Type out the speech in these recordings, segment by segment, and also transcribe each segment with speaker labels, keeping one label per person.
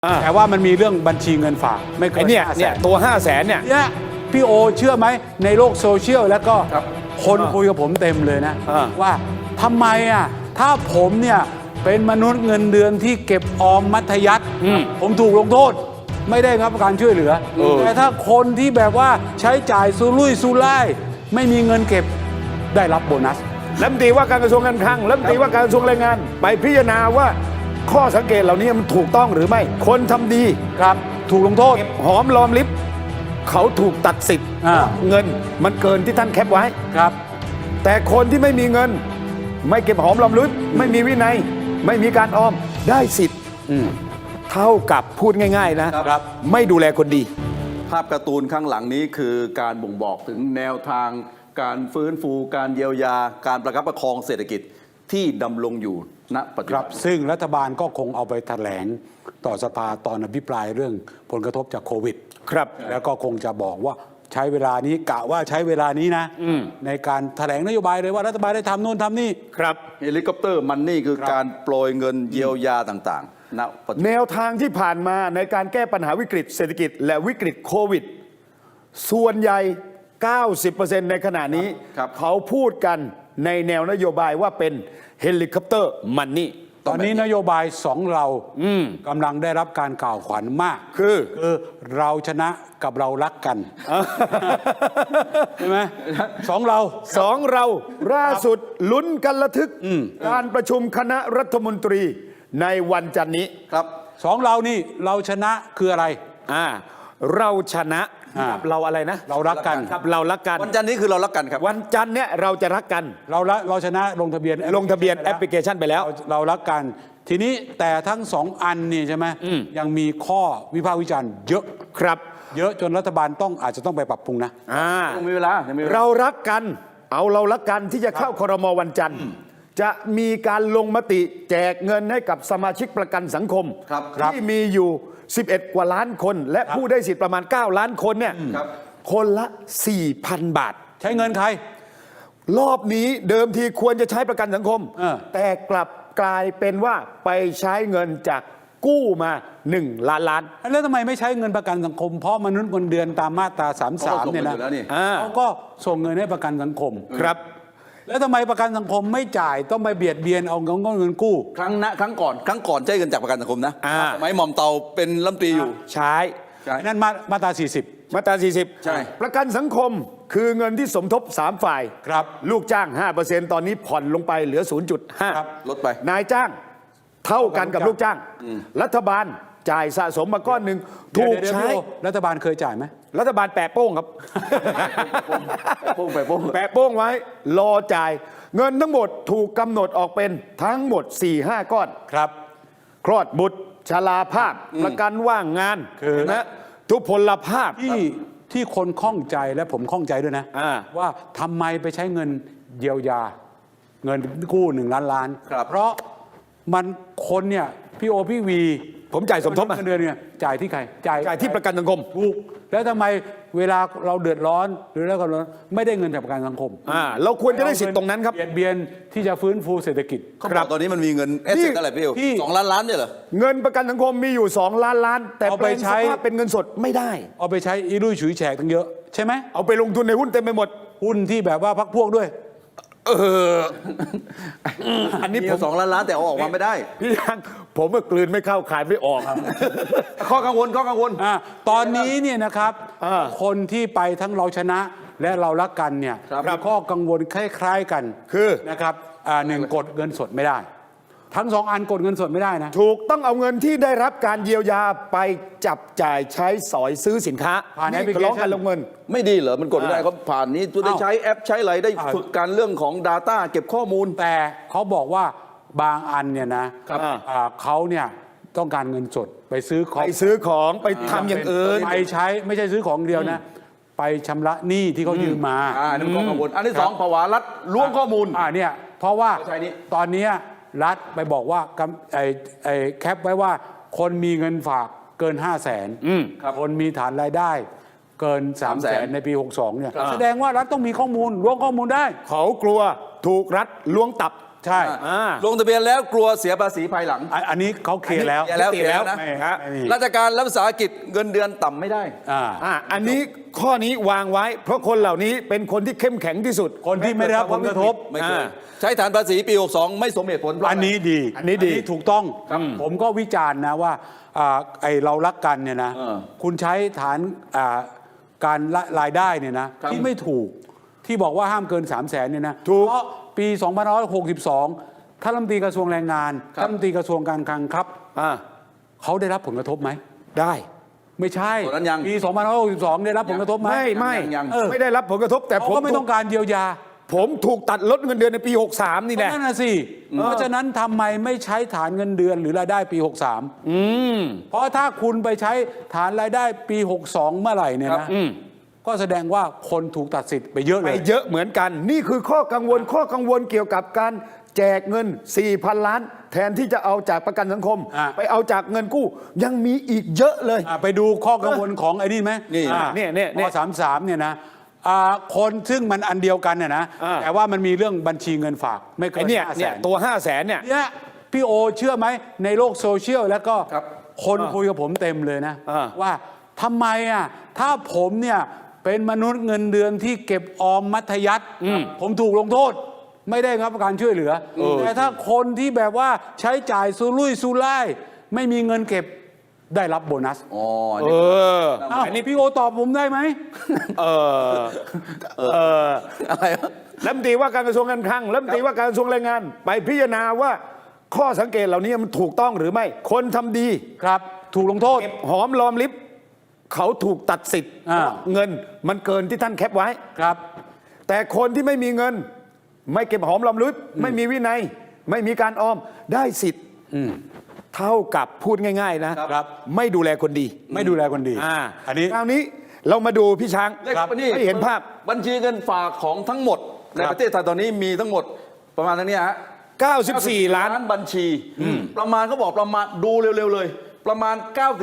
Speaker 1: แต่ว่ามันมีเรื่องบัญชีเงินฝากไม่เกิน
Speaker 2: เนี่ยตัว500,000เนี่ย
Speaker 1: พี่โอเชื่อไหมในโลกโซเชียลแล้วก็คนคุยกับผมเต็มเลยนะว่าทำไมถ้าผมเนี่ยเป็นมนุษย์เงินเดือนที่เก็บออมมัธยัสถ์ผมถูกลงโทษไม่ได้รับการช่วยเหลือแต่ถ้าคนที่แบบว่าใช้จ่ายสุรุ่ยสุร่ายไม่มีเงินเก็บได้รับโบนัส
Speaker 2: รัฐมนตรีว่าการกระทรวงการคลังรัฐมนตรีว่าการกระทรวงแรงงานไปพิจารณาว่าข้อสังเกตเหล่านี้มันถูกต้องหรือไม่คนทำดี
Speaker 1: ครับถูกลงโทษ
Speaker 2: หอมรอมริบเขาถูกตัดสิทธิ์เงินมันเกินที่ท่านแคปไว้
Speaker 1: ครับ
Speaker 2: แต่คนที่ไม่มีเงินไม่เก็บหอมรอมริบไม่มีวินัยไม่มีการออมได้สิทธิ์เท่ากับพูดง่ายๆนะครับไม่ดูแลคนดี
Speaker 3: ภาพการ์ตูนข้างหลังนี้คือการบ่งบอกถึงแนวทางการฟื้นฟูการเยียวยาการประคับประคองเศรษฐกิจที่ดำรงอยู่ณปัจจุบัน
Speaker 1: ซึ่งรัฐบาลก็คงเอาไปแถลงต่อสภาตอนอภิปรายเรื่องผลกระทบจากโควิด
Speaker 2: ครับ
Speaker 1: แล้วก็คงจะบอกว่าใช้เวลานี้กะว่าใช้เวลานี้นะในการแถลงนโยบายเลยว่ารัฐบาลได้ทำโน่นทำนี่
Speaker 2: ครับ
Speaker 3: เฮลิคอปเตอร์มันนี่คือการโปรยเงินเยียวยาต่างๆ
Speaker 2: แนวทางที่ผ่านมาในการแก้ปัญหาวิกฤตเศรษฐกิจและวิกฤตโควิดส่วนใหญ่ 90% ในขณะนี้เขาพูดกันในแนวนโยบายว่าเป็นเฮลิคอปเตอร์มันนี่
Speaker 1: ตอนนี้นโยบาย2เรากำลังได้รับการกล่าวขวัญมาก
Speaker 2: คือ
Speaker 1: เราชนะกับเรารักกันใช่ไหมสองเรา
Speaker 2: ล่าสุดลุ้นกันระทึกการประชุมคณะรัฐมนตรีในวันจันทร์นี้
Speaker 3: ครับ
Speaker 1: สองเรานี่เราชนะคืออะไร
Speaker 2: เราชนะเราอะไรนะ
Speaker 1: เรารักกัน
Speaker 2: ครับเรารักกัน
Speaker 3: วันจันทร์นี้คือเรารักกันครับ
Speaker 2: วันจันทร์เนี่ยเราจะรักกัน
Speaker 1: เราชนะลงทะเบียน
Speaker 2: แอปพลิเคชันไปแล้ว
Speaker 1: เรารักกันทีนี้แต่ทั้ง2อันนี่ใช่ไหมยังมีข้อวิพากษ์วิจารณ์เยอะ
Speaker 2: ครับ
Speaker 1: เยอะจนรัฐบาลอาจจะต้องไปปรับปรุงนะ
Speaker 3: ยังมีเวลา
Speaker 2: เรารักกันเรารักกันที่จะเข้าครม.วันจันทร์จะมีการลงมติแจกเงินให้กับสมาชิกประกันสังคมที่มีอยู่11 กว่าล้านคนและผู้ได้สิทธิ์ประมาณ9 ล้านคนเนี่ยคนละ 4,000 บาท
Speaker 1: ใช้เงินใคร
Speaker 2: รอบนี้เดิมทีควรจะใช้ประกันสังคมแต่กลับกลายเป็นว่าไปใช้เงินจากกู้มา1 ล้านล้าน
Speaker 1: แล้วทำไมไม่ใช้เงินประกันสังคมเพราะมนุษย์เงินเดือนตามมาตรา33เนี่ยนะเขาก็ส่งเงินให้ประกันสังคม
Speaker 2: ครับ
Speaker 1: แล้วทำไมประกันสังคมไม่จ่ายต้องไปเบียดเบียนเอาเงินกู้
Speaker 3: ครั้งก่อนใช้เงินจากประกันสังคมนะไม้หม่อมเตาเป็นรัฐมนตรีอยู่
Speaker 2: ใช้
Speaker 1: นั่นมาตรา40
Speaker 2: ใช่ประกันสังคมคือเงินที่สมทบ3 ฝ่าย
Speaker 1: ครับ
Speaker 2: ลูกจ้าง 5% ตอนนี้ผ่อนลงไปเหลือ 0.5
Speaker 3: ลดไป
Speaker 2: นายจ้างเท่ากันกับลูกจ้างรัฐบาลจ่ายสะสมมาก้อนหนึ่งถูกใช้
Speaker 1: รัฐบาลเคยจ่ายไหม
Speaker 2: รัฐบาลแปะโป้งครับแปะโป้งไว้รอจ่ายเงินทั้งหมดถูกกำหนดออกเป็นทั้งหมด 4-5 ก้อน
Speaker 1: ครับ
Speaker 2: คลอดบุตรชราภาพประกันว่างงานนะทุพพลภาพ
Speaker 1: ที่คนข้องใจและผมข้องใจด้วยนะว่าทำไมไปใช้เงินเยียวยาเงินกู้1 ล้านล้านเพราะมันคนเนี่ยพี่โอพี่วี
Speaker 2: ผมจ่ายสมทบ
Speaker 1: เดือนเนี่ยจ่ายที่ใคร
Speaker 2: จ่ายที่ประกันสังคม
Speaker 1: ถูกแล้วทำไมเวลาเราเดือดร้อนหรือแล้วก็ไม่ได้เงินจากประกันสังคม
Speaker 2: เราควรจะได้สิทธิ์ตรงนั้นครับ
Speaker 1: เบียนที่จะฟื้นฟูเศรษฐกิจ
Speaker 3: ครับตอนนี้มันมีเงินเอสเซ็ตอะไรพี่2 ล้านล้านเนี่ยเหรอ
Speaker 2: เงินประกันสังคมมีอยู่2 ล้านล้านแต่เอาไปใช้เป็นเงินสดไม่ได้
Speaker 1: เอาไปใช้อีรุ่ยฉุยแฉกตั้งเยอะใช่ไหม
Speaker 2: เอาไปลงทุนในหุ้นเต็มไปหมด
Speaker 1: หุ้นที่แบบว่าพรรคพวกด้วย
Speaker 3: อันนี้ผม2 ล้านล้านแต่เอาออกมาไม่ได้
Speaker 2: พี่ยังผมก็กลืนไม่เข้าขายไม่ออก
Speaker 3: ข้อกังวล
Speaker 1: ตอนนี้เนี่ยนะครับคนที่ไปทั้งเราชนะและเรารักกันเนี่ยข้อกังวลคล้ายๆกัน
Speaker 2: คือ
Speaker 1: นะครับ1กดเงินสดไม่ได้ทั้ง2อันกดเงินสดไม่ได้นะ
Speaker 2: ถูกต้องเอาเงินที่ได้รับการเยียวยาไปจับจ่ายใช้สอยซื้อสินค้า
Speaker 1: ผ่านแอปพลิเคชัน
Speaker 2: ลงเงิน
Speaker 3: ไม่ดีเหรอมันกดไม่ได้เขาผ่านนี้จะได้ใช้แอปใช้อะไรได้ฝึกการเรื่องของ Data เก็บข้อมูล
Speaker 1: แต่เขาบอกว่าบางอันเนี่ยนะเขาเนี่ยต้องการเงินสดไปซื้อ
Speaker 2: ของไปทำอย่างอื่น
Speaker 1: ไปใช้ไม่ใช่ซื้อของเดียวนะไปชำระหนี้ที่เขายืมมา
Speaker 3: นั่นข้อกังวลอันที่2ภาวะรัฐล้วงข้อมูล
Speaker 1: เนี่ยเพราะว่าตอนนี้รัฐไปบอกว่าแคปไว้ว่าคนมีเงินฝากเกิน 500,000 คนมีฐานรายได้เกิน 300,000 ในปี 62 เนี่ยแสดงว่ารัฐต้องมีข้อมูลล้วงข้อมูลได้
Speaker 2: เขากลัวถูกรัฐล้วงตับ
Speaker 1: ใช่
Speaker 3: ลงทะเบียนแล้วกลัวเสียภาษีภายหลัง
Speaker 1: อันนี้เขาเคลียร์แล้ว
Speaker 3: เคลียร์แล้วนะ
Speaker 1: ไม่มี
Speaker 3: ราชการและวิสาหกิจเงินเดือนต่ำไม่ได้
Speaker 2: อันนี้ข้อนี้วางไว้ เพราะคนเหล่านี้เป็นคนที่เข้มแข็งที่สุด
Speaker 1: คนที่ไม่ได้รับผลกระทบ
Speaker 3: ไม่เคยใช้ฐานภาษีปี 62 ไม่สมเหตุผล
Speaker 1: อันนี้ดี
Speaker 2: อันนี้ดี
Speaker 1: ถูกต้องผมก็วิจารณ์นะว่าไอเรารักกันเนี่ยนะคุณใช้ฐานการรายได้เนี่ยนะที่ไม่ถูกที่บอกว่าห้ามเกิน 300,000เนี่ยนะเพราะปี 2562ท่านรัฐมนตรีกระทรวงแรงงานท่านรัฐมนตรีกระทรวงการคลังครับเขาได้รับผลกระทบไหม
Speaker 2: ได้
Speaker 1: ไม่ใช่
Speaker 3: ตอนนั้นยัง
Speaker 1: ปี 2562 ได้รับผลกระทบไหม
Speaker 2: ไม่ได้รับผลกระทบแต่
Speaker 1: เขาก็ไม่ต้องการเยียวยา
Speaker 2: ผมถูกตัดลดเงินเดือนในปี 63 นี่แหละ
Speaker 1: นั่นน่ะสิเพราะฉะนั้นทำไมไม่ใช้ฐานเงินเดือนหรือรายได้ปี 63เพราะถ้าคุณไปใช้ฐานรายได้ปี 62 เมื่อไหร่เนี่ยนะก็แสดงว่าคนถูกตัดสิทธิ์ไปเยอะเล
Speaker 2: ไป
Speaker 1: ย
Speaker 2: เยอะเหมือนกัน นี่คือข้อกังวลเกี่ยวกับการแจกเงิน 4,000 ล้าน แทนที่จะเอาจากประกันสังคม ไปเอาจากเงินกู้ยังมีอีกเยอะเลย
Speaker 1: ไปดูข้อกังวลของไอ้นี่ไหม
Speaker 2: นี่
Speaker 1: ข้อ33เนี่ยนะคนซึ่งมันอันเดียวกันเนี่ยนะแต่ว่ามันมีเรื่องบัญชีเงินฝากไม่เกิน
Speaker 2: เนี่ย
Speaker 1: 500,000
Speaker 2: ตัว 500,000 เนี่ย
Speaker 1: เนี่ยพี่โอเชื่อไหมในโลกโซเชียลแล้วก็คนคุยกับผมเต็มเลยนะว่าทำไมถ้าผมเนี่ยเป็นมนุษย์เงินเดือนที่เก็บออมมัธยัสถ์ผมถูกลงโทษไม่ได้รับการช่วยเหลือแต่ถ้าคนที่แบบว่าใช้จ่ายสุรุ่ยสุร่ายไม่มีเงินเก็บได้รับโบนัสอันนี้พี่โอตอบผมได้ไหม
Speaker 3: อะไรวะ
Speaker 2: รัฐมนตรีว่าการกระทรวงการคลังรัฐมนตรีว่าการกระทรวงแรงงาน ไปพิจารณาว่าข้อสังเกตเหล่านี้มันถูกต้องหรือไม่คนทำดี
Speaker 1: ครับถูกลงโทษ
Speaker 2: เก็บหอมรอมริบเขาถูกตัดสิทธิ์เงินมันเกินที่ท่านแคปไว้
Speaker 1: ครับ
Speaker 2: แต่คนที่ไม่มีเงิน ไม่เก็บหอมรอมริบไม่มีวินัย ไม่มีการออมได้สิทธิ์เท่ากับพูดง่ายๆนะครับไม่ดูแลคนดี
Speaker 1: ไม่ดูแลคนดีอันนี้
Speaker 2: คราวนี้เรามาดูพี่ช้าง
Speaker 3: นี่
Speaker 2: ให้เห็นภาพ
Speaker 3: บัญชีเงินฝากของทั้งหมดในประเทศไทยตอนนี้มีทั้งหมมดประมาณเท่านี้ฮะ
Speaker 2: 94 ล้าน
Speaker 3: บัญชีประมาณเขาบอกประมาณดูเร็วๆเลย ประมาณ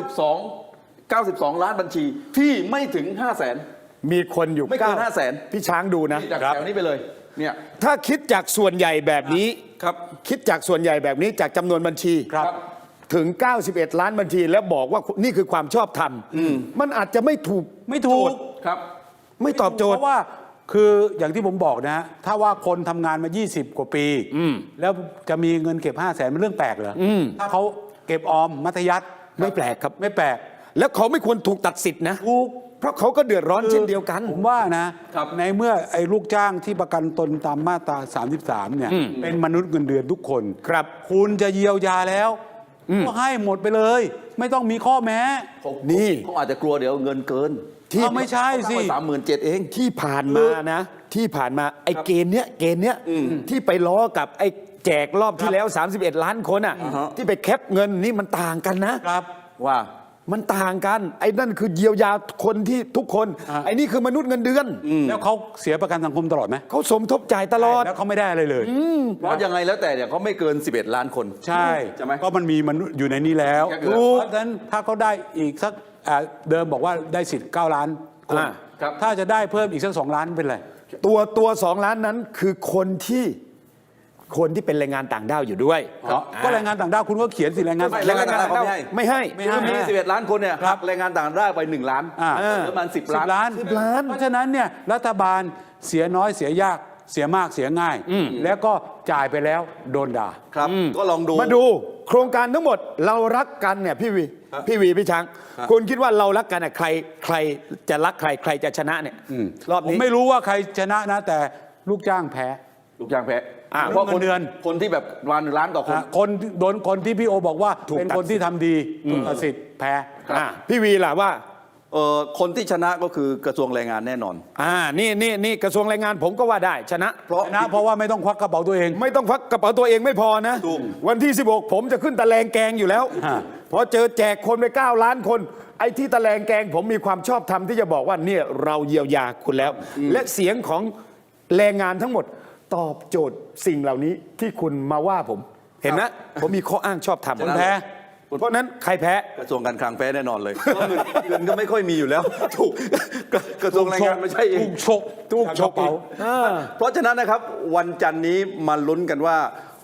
Speaker 3: 92 ล้านบัญชีที่ไม่ถึง 500,000
Speaker 2: มีคนอยู่
Speaker 3: ไม่เกิน 500,000
Speaker 2: พี่ช้างดูนะ
Speaker 3: จากแถวนี้ไปเลยเนี่ย
Speaker 2: ถ้าคิดจากส่วนใหญ่แบบนี้
Speaker 3: ครับ
Speaker 2: คิดจากส่วนใหญ่แบบนี้จากจำนวนบัญชี
Speaker 1: ครับ
Speaker 2: ถึง 91 ล้านบัญชีแล้วบอกว่านี่คือความชอบธรรมมันอาจจะไม่ถูก
Speaker 1: ไม่ถูก
Speaker 3: ครับ
Speaker 2: ไม่ตอบโจท
Speaker 1: เพ
Speaker 2: ย์
Speaker 1: ราะว่าคืออย่างที่ผมบอกนะฮะถ้าว่าคนทำงานมา 20 กว่าปีแล้วจะมีเงินเก็บ 500,000มันเรื่องแปลกเหรอถ้าเขาเก็บออมมัธยัสถ์
Speaker 2: ไม่แปลกครับ
Speaker 1: ไม่แปลก
Speaker 2: แล้วเขาไม่ควรถูกตัดสิทธินะ
Speaker 1: ถูก
Speaker 2: เพราะเขาก็เดือดร้อนเช่นเดียวกัน
Speaker 1: ผมว่านะในเมื่อไอ้ลูกจ้างที่ประกันตนตามมาตรา 33 เนี่ยเป็นมนุษย์เงินเดือนทุกคน
Speaker 2: ครับ
Speaker 1: คุณจะเยียวยาแล้วก็ให้หมดไปเลย ไม่ต้องมีข้อแม้
Speaker 2: นี่
Speaker 3: เขาอาจจะกลัวเดี๋ยวเงินเกิน
Speaker 1: ไม่ใช่สิ
Speaker 3: 37,000เอง
Speaker 2: ที่ผ่านมานะที่ผ่านมาไอ้เกณฑ์เนี้ยที่ไปล้อกับไอ้แจกรอบที่แล้ว 31 ล้านคนอ่ะที่ไปแคปเงินนี่มันต่างกันนะครับ
Speaker 3: ว่า
Speaker 2: มันต่างกันไอ้นั่นคือเยียวยาคนที่ทุกคนไอ้นี่คือมนุษย์เงินเดือน
Speaker 1: แล้วเขาเสียประกันสังคมตลอดไหม
Speaker 2: เขาสมทบจ่ายตลอด
Speaker 1: แล้วเขาไม่ได้อะไรเลย
Speaker 3: เพราะยังไงแล้วแต่เนี่ยเขาไม่เกิน 11 ล้านคน
Speaker 1: ใช่
Speaker 3: ใช่ไหม
Speaker 1: ก็มันมีมนุษย์อยู่ในนี้แล้ว
Speaker 3: เพ
Speaker 1: เพราะฉะนั้นถ้าเขาได้อีกสักเดิมบอกว่าได้สิทธิ์9 ล้านคน
Speaker 3: ครับ
Speaker 1: ถ้าจะได้เพิ่มอีกสัก2 ล้านเป็นไร
Speaker 2: ตัว2 ล้านนั้นคือคนที่เป็นแรงงานต่างด้าวอยู่ด้วย
Speaker 1: ก็แรงงานต่างด้าวคุณก็เขียนสิแรงงาน
Speaker 3: ไม่แรงงานต่างด้าว
Speaker 2: ไม่ให้
Speaker 3: คือมี 11 ล้านคนเนี่ย
Speaker 1: ครับ
Speaker 3: แรงงานต่างด้าวไป1 ล้านประมาณ10 ล้าน
Speaker 2: 10 ล้าน
Speaker 1: เพราะฉะนั้นเนี่ยรัฐบาลเสียน้อยเสียยากเสียมากเสียง่าย แล้วก็จ่ายไปแล้วโดนด่า
Speaker 3: ครับก็ลองดู
Speaker 2: มาดูโครงการทั้งหมดเรารักกันเนี่ยพี่วีพี่ช้างคุณคิดว่าเรารักกันอ่ะใครจะรักใครจะชนะเนี่ยรอบ
Speaker 1: ผม
Speaker 2: นี้
Speaker 1: ไม่รู้ว่าใครชนะนะแต่ลูกจ้างแพ้
Speaker 3: ลูกจ้างแพ้
Speaker 1: เพราะเงินเดือน
Speaker 3: คนที่แบบวัน1 ล้านต่อคน
Speaker 1: คนโดนคนที่พี่โอบอกว่า
Speaker 2: ถูก
Speaker 1: เป็นคน
Speaker 2: ตัดสิทธิ์
Speaker 1: ที่ทำดีถูกตัดสิทธิ์แพ้
Speaker 2: พี่วีล่ะว่า
Speaker 3: คนที่ชนะก็คือกระทรวงแรงงานแน่นอน
Speaker 2: นี่กระทรวงแรงงานผมก็ว่าได้ชนะ
Speaker 1: เพราะว่าไม่ต้องควักกระเป๋าตัวเอง
Speaker 2: ไม่ต้องควักกระเป๋าตัวเองไม่พอนะ
Speaker 3: ถูก
Speaker 2: วันที่ 16 ผมจะขึ้นตะแลงแกงอยู่แล้ว พอเจอแจกคนไป9 ล้านคน ไอ้ที่ตะแลงแกงผมมีความชอบธรรมที่จะบอกว่าเนี่ยเราเยียวยาคุณแล้ว และเสียงของแรงงานทั้งหมดตอบโจทย์สิ่งเหล่านี้ที่คุณมาว่าผม เห็นนะผมมีข้ออ้างชอบธรรม
Speaker 1: คนแพ้
Speaker 2: เพราะนั้นใครแพ้
Speaker 3: กระทรวงการคลังแพ้แน่นอนเลยเพราะเงินก็ไม่ค่อยมีอยู่แล้วถูกกระทรวงแรงงานไม่ใช่เอง
Speaker 1: ถูกฉกเป๋า
Speaker 3: เพราะฉะนั้นนะครับวันจันทร์นี้มาลุ้นกันว่า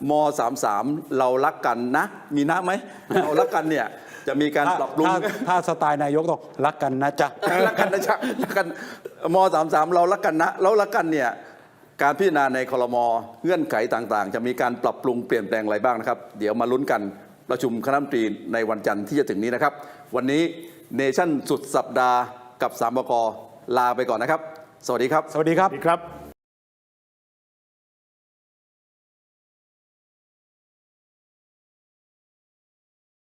Speaker 3: ม.33 เรารักกันนะ มีนะไหม เรารักกันเนี่ยจะมีการปรับปรุง
Speaker 1: ถ้าสไตล์นายกต้องรักกันนะจ๊ะ
Speaker 3: รักกันนะจ๊ะรักกันม.33 เรารักกันนะแล้วรักกันเนี่ยการพิจารณาในครม.เงื่อนไขต่างๆ จะมีการปรับปรุงเปลี่ยนแปลงอะไรบ้างนะครับ เดี๋ยวมาลุ้นกันประชุมคณะรัฐมนตรีในวันจันทร์ที่จะถึงนี้นะครับ วันนี้เนชั่นสุดสัปดาห์กับ3 บก.ลาไปก่อนนะครับ สวัสดีครับ
Speaker 1: สวัสดีครับ
Speaker 2: ครับ